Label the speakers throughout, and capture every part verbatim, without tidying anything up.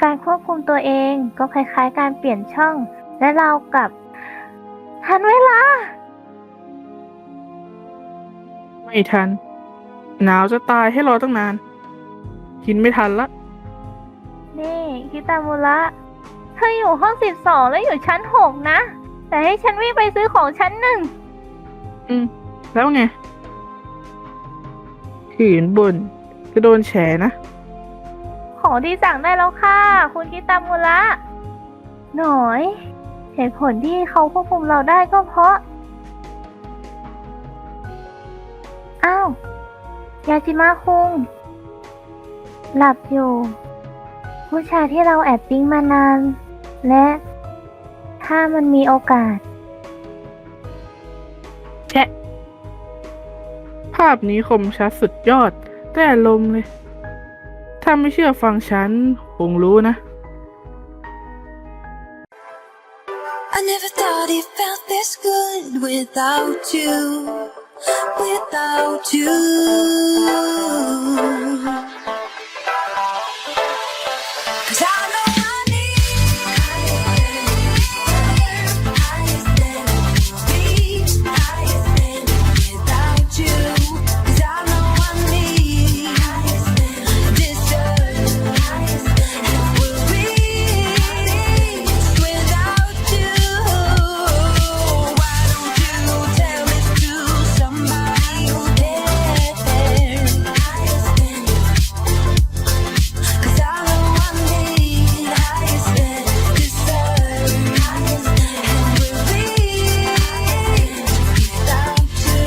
Speaker 1: การควบคุมตัวเองก็คล้ายๆการเปลี่ยนช่อง และเรากับทันเวลา
Speaker 2: ไม่ทัน หนาวจะตายให้รอตั้งนาน กินไม่ทันละ
Speaker 1: นี่คิตามุระเธออยู่ห้องสิบสองแล้วอยู่ชั้นหกนะ แต่ให้ฉันวิ่งไปซื้อของชั้นหนึ่ง
Speaker 2: อืม แล้วไงขืนบนจะโดนแฉนะ
Speaker 1: ของที่สั่งได้แล้วค่ะ คุณคิตามุระหน่อย เหตุผลที่เขาควบคุมเราได้ก็เพราะ อ้าว ยาจิมะคุง หลับอยู่ ผู้ชายที่เราแอบปิ๊งมานาน และถ้ามันมีโอกาส
Speaker 2: แชะ ภาพนี้คมชัดสุดยอด แต่ลมณ์เลย ถ้าไม่เชื่อฟังฉัน คงรู้นะ
Speaker 3: I never thought it felt this good without you, without you. 'Cause I know I need higher standards, higher standards without you. 'Cause I know I need deserve higher standards will reach without you. Why don't you tell this to somebody who cares? Higher standards. 'Cause I know I need higher standards, deserve higher standards, and will reach without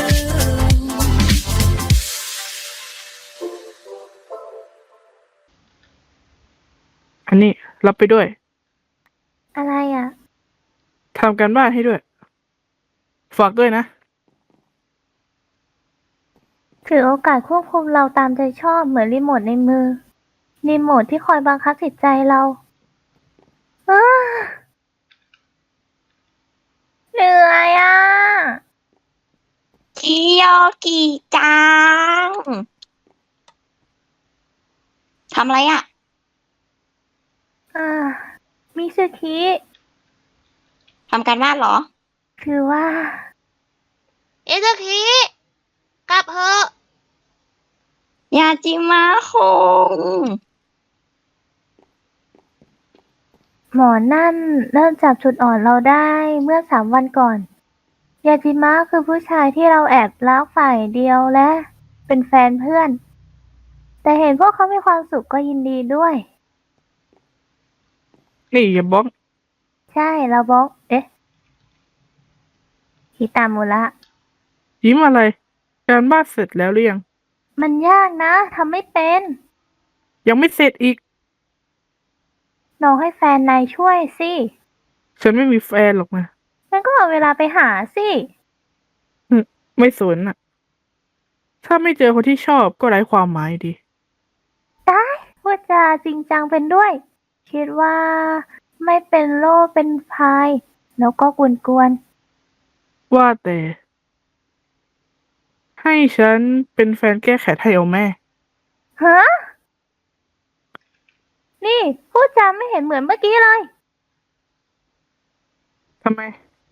Speaker 3: you.
Speaker 2: อันนี้รับไปด้วย
Speaker 1: อะไรอ่ะ
Speaker 2: ทำการบ้านให้ด้วย ฝากด้วยนะ
Speaker 1: ถือโอกาสควบคุมเราตามใจชอบเหมือนรีโมทในมือ รีโมทที่คอยบังคับจิตใจเราอ้าเหนื่อยอ่ะ
Speaker 4: คิโยกิจัง ทำอะไรอะ
Speaker 1: อ่า มิซึคิ
Speaker 4: ทำการบ้านเหรอ
Speaker 1: คือว่า
Speaker 4: เอซึคิ กลับเถอะยาจิมะคง
Speaker 1: หมอนั่นเริ่มจับจุดอ่อนเราได้เมื่อสามวันก่อน ยาจิมะคือผู้ชายที่เราแอบรักฝ่ายเดียวและเป็นแฟนเพื่อน แต่เห็นพวกเขามีความสุขก็ยินดีด้วย
Speaker 2: นี่อย่าบล็อก
Speaker 1: ใช่เราบอก เอ๊ะฮิตามุระ
Speaker 2: ยิ้มอะไร การบ้านเสร็จแล้วหรือยัง
Speaker 1: มันยากนะทำไม่เป็น
Speaker 2: ยังไม่เสร็จอีก
Speaker 1: ลองให้แฟนนายช่วยสิ
Speaker 2: ฉันไม่มีแฟนหรอกนะ
Speaker 1: งั้นก็เอาเวลาไปหาสิ
Speaker 2: อืมไม่สนอ่ะ ถ้าไม่เจอคนที่ชอบก็ไร้ความหมายดี
Speaker 1: ได้พูดจาจริงจังเป็นด้วย คิดว่าไม่เป็นโล่เป็นพาย แล้วก็กวนกวน
Speaker 2: ว่าแต่ ให้ฉันเป็นแฟนแก้แค้นให้เอาแม่
Speaker 1: ๆฮะ นี่พูดจาไม่เห็นเหมือนเมื่อกี้เลย
Speaker 2: ทำไม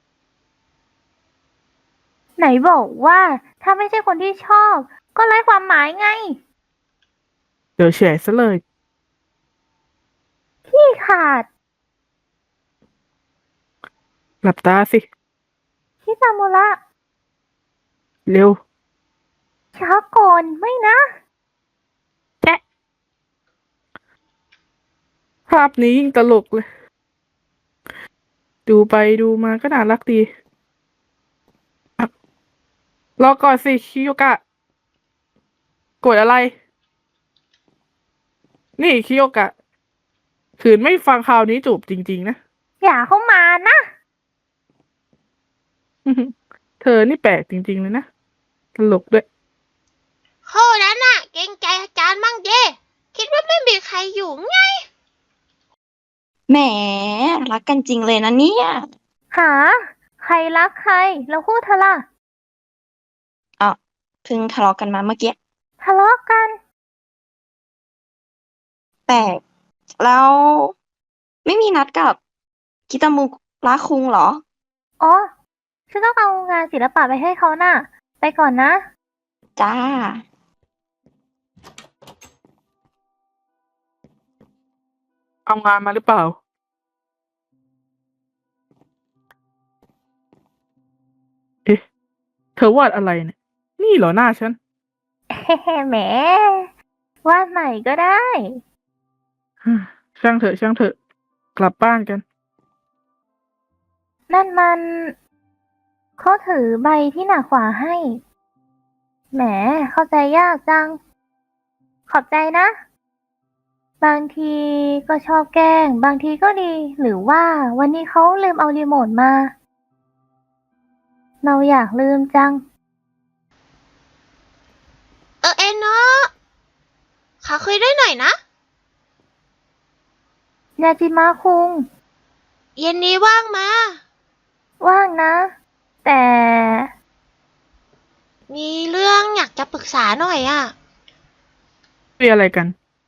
Speaker 1: ไหนบอกว่าถ้าไม่ใช่คนที่ชอบ ก็ไร้ความหมายไง
Speaker 2: เดี๋ยวแฉซะเลย
Speaker 1: ขี้ขาด
Speaker 2: หลับตาสิ
Speaker 1: คิตามุระ
Speaker 2: เร็ว
Speaker 1: ช้าก่อนไม่นะ
Speaker 2: แชะ ภาพนี้ยิ่งตลกเลย ดูไปดูมาก็น่ารักดีอ่ะรอก่อนสิคิโยกะ กดอะไร นี่คิโยกะ ขืนไม่ฟังคราวนี้จูบจริงๆนะ
Speaker 1: อย่าเข้ามานะ
Speaker 2: เธอนี่แปลกจริงๆเลยนะ ตลกด้วย
Speaker 4: ข้อนั้นน่ะ เกรงใจอาจารย์มั่งเด้คิดว่าไม่มีใครอยู่ไง แหม รักกันจริงเลยนะเนี่ย
Speaker 1: หา ใครรักใคร แล้วพูดเธอล่ะ
Speaker 4: อ่ะเพิ่งทะเลาะกันมาเมื่อกี้
Speaker 1: ทะเลาะกัน
Speaker 4: แต่แล้วไม่มีนัดกับกิตามุระคุงเหรอ
Speaker 1: อ๋อ ฉันต้องเอางานศิลปะไปให้เขาน่ะ ไปก่อนนะ
Speaker 4: จ้า
Speaker 2: เอางานมาหรือเปล่า เอ๊ะ เธอวาดอะไรเนี่ย นี่เหรอหน้าฉัน
Speaker 1: เฮ้ แหม วาดใหม่ก็ได้
Speaker 2: ช่างเถอะช่างเถอะ กลับบ้านกัน
Speaker 1: นั่นมันเขาถือใบที่หนักกว่าให้ แหม เข้าใจยากจัง ขอบใจนะ บางทีก็ชอบแกล้ง บางทีก็ดี หรือว่าวันนี้เขาลืมเอารีโมทมา เราอยากลืมจัง
Speaker 4: เออเอ็นเนาะขอคุยด้วยหน่อยนะ
Speaker 1: ยาจิมะคุง
Speaker 4: เย็นนี้ว่างมา
Speaker 1: ว่างนะ แต่
Speaker 4: มีเรื่องอยากจะปรึกษาหน่อยอ่ะ
Speaker 2: คุยอะไรกัน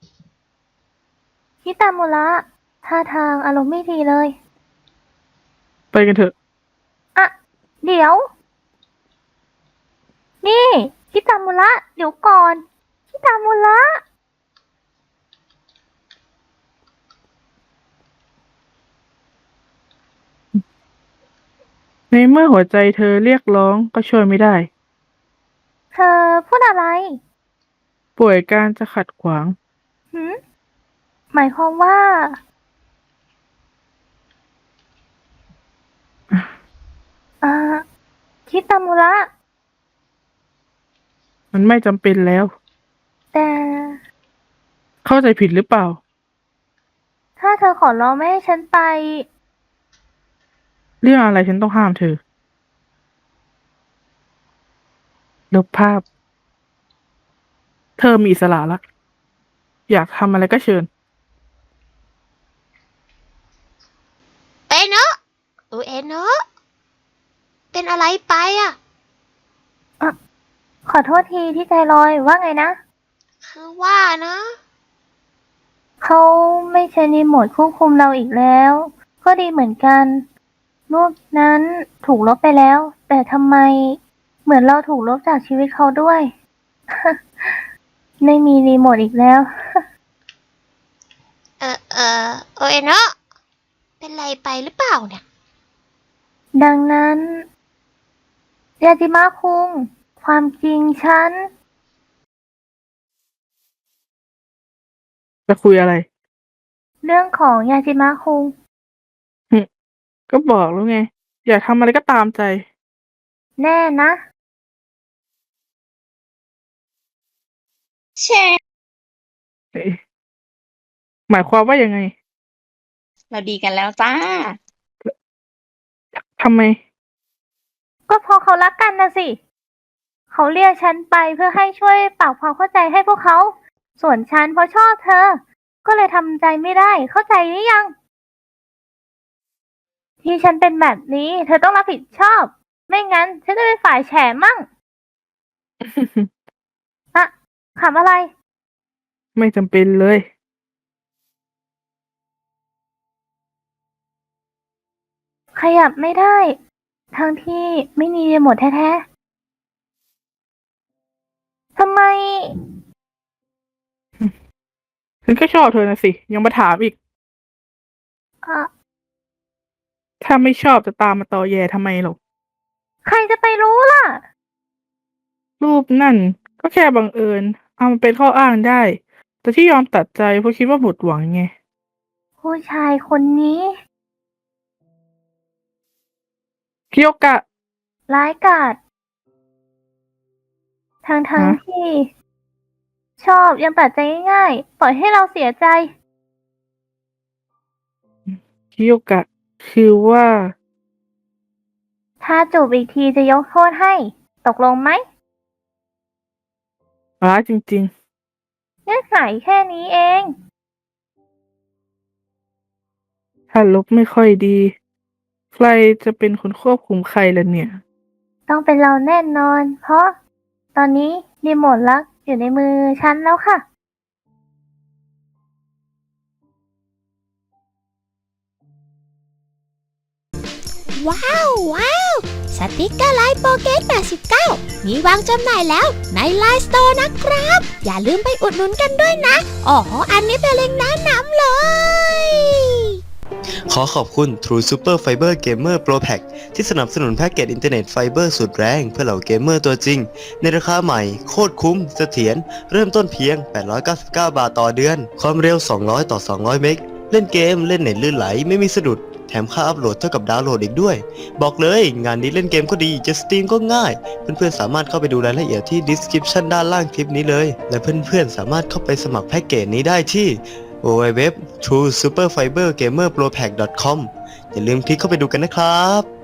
Speaker 1: ฮิตามุระท่าทางอารมณ์ไม่ดีเลย
Speaker 2: ไปกันเถอะ
Speaker 1: อะ เดี๋ยว นี่ฮิตามุระเดี๋ยวก่อนฮิตามุระ
Speaker 2: ในเมื่อหัวใจเธอเรียกร้องก็ช่วยไม่ได้
Speaker 1: เธอพูดอะไร
Speaker 2: ป่วยการจะขัดขวาง
Speaker 1: หืม หมายความว่า อ่าฮิตามุระ
Speaker 2: มันไม่จำเป็นแล้ว
Speaker 1: แต่
Speaker 2: เข้าใจผิดหรือเปล่า
Speaker 1: ถ้าเธอขอร้องไม่ให้ฉันไป
Speaker 2: เรื่องอะไรฉันต้องห้ามเธอ ลบภาพ เธอมีอิสระละ อยากทำอะไรก็เชิญ
Speaker 4: เอ็นเนาะเออเอ็นเนาะเป็นอะไรไปอ่ะ
Speaker 1: ขอโทษทีที่ใจลอยว่าไงนะ
Speaker 4: คือว่านะ
Speaker 1: เขาไม่ใช้รีโมทควบคุมเราอีกแล้ว ก็ดีเหมือนกัน รูปนั้นถูกลบไปแล้ว แต่ทำไมเหมือนเราถูกลบจากชีวิตเขาด้วย ไม่มีรีโมทอีกแล้ว
Speaker 4: เออเออเออเอ็นเนาะเป็นไรไปหรือเปล่าเนี่ย
Speaker 1: ดังนั้นยาจิมะคุง ความจริงฉัน
Speaker 2: จะคุยอะไร
Speaker 1: เรื่องของยาจิมะคุง
Speaker 2: ก็บอกแล้วไง อยากทำอะไรก็ตามใจ
Speaker 1: แน่นะ
Speaker 4: เช่
Speaker 2: เอ๊ะหมายความว่ายังไง
Speaker 4: เราดีกันแล้วจ้า
Speaker 2: ทำไม
Speaker 1: ก็เพราะเขารักกันนะสิ เขาเรียกฉันไปเพื่อให้ช่วยปรับความเข้าใจให้พวกเขา ส่วนฉันเพราะชอบเธอ ก็เลยทำใจไม่ได้ เข้าใจหรือยัง ที่ฉันเป็นแบบนี้ เธอต้องรับผิดชอบ ไม่งั้นฉันจะเป็นฝ่ายแฉมั่ง อะขำอะไร
Speaker 2: ไม่จำเป็นเลย
Speaker 1: ขยับไม่ได้ ทั้งที่ไม่มีรีโมทแท้ๆ ทำไม
Speaker 2: ฉันก็ชอบเธอนะสิ ยังมาถามอีก
Speaker 1: อ่ะ
Speaker 2: ถ้าไม่ชอบจะตามมาตอแยทำไมหรอก
Speaker 1: ใครจะไปรู้ล่ะ
Speaker 2: รูปนั่น ก็แค่บังเอิญ เอามาเป็นข้ออ้างได้ แต่ที่ยอมตัดใจเพราะคิดว่าหมดหวังไง
Speaker 1: ผู้ชายคนนี้
Speaker 2: คิโยกะ
Speaker 1: ร้ายกาจทั้งทั้ง
Speaker 2: ฮะ
Speaker 1: ที่ ชอบยังตัดใจง่ายๆ ปล่อยให้เราเสียใจ
Speaker 2: คิโยกะ คือว่า
Speaker 1: ถ้าจูบอีกทีจะยกโทษให้ ตกลงไหม
Speaker 2: ร้ายจริง
Speaker 1: เงื่อนไขแค่นี้เอง
Speaker 2: ๆ ถ้าลบไม่ค่อยดี ใครจะเป็นคนควบคุมใครล่ะเนี่ย
Speaker 1: ต้องเป็นเราแน่นอน เพราะตอนนี้รีโมทลักอยู่ในมือฉันแล้วค่ะ
Speaker 5: ว้าวว้าวสติกเกอร์ไลน์โปเกตแปดสิบเก้ามีวางจำหน่ายแล้วในไลน์สโตร์นะครับ อย่าลืมไปอุดหนุนกันด้วยนะอ๋ออันนี้เป็นเล็งก์แนะนำเลย
Speaker 6: ขอขอบคุณ True Super Fiber Gamer Pro Pack ที่สนับสนุนแพ็กเกจอินเทอร์เน็ตไฟเบอร์สุดแรงเพื่อเหล่าเกมเมอร์ตัวจริง ในราคาใหม่โคตรคุ้มเสถียรเริ่มต้นเพียง แปดร้อยเก้าสิบเก้า บาทต่อเดือน ความเร็ว สองร้อย ต่อ สองร้อย เมก เล่นเกมเล่นเน็ตลื่นไหลไม่มีสะดุด แถมค่าอัพโหลดเท่ากับดาวน์โหลดอีกด้วย บอกเลยงานนี้เล่นเกมก็ดีจะสตรีมก็ง่าย เพื่อนๆสามารถเข้าไปดูรายละเอียดที่ description ด้านล่างคลิปนี้เลยและเพื่อนๆสามารถเข้าไปสมัครแพ็กเกจนี้ได้ที่ ดับเบิลยู ดับเบิลยู ดับเบิลยู ดอท ทรู ซูเปอร์ ไฟเบอร์ เกมเมอร์ โปร แพ็ก ดอท คอม อย่าลืมคลิกเข้าไปดูกันนะครับ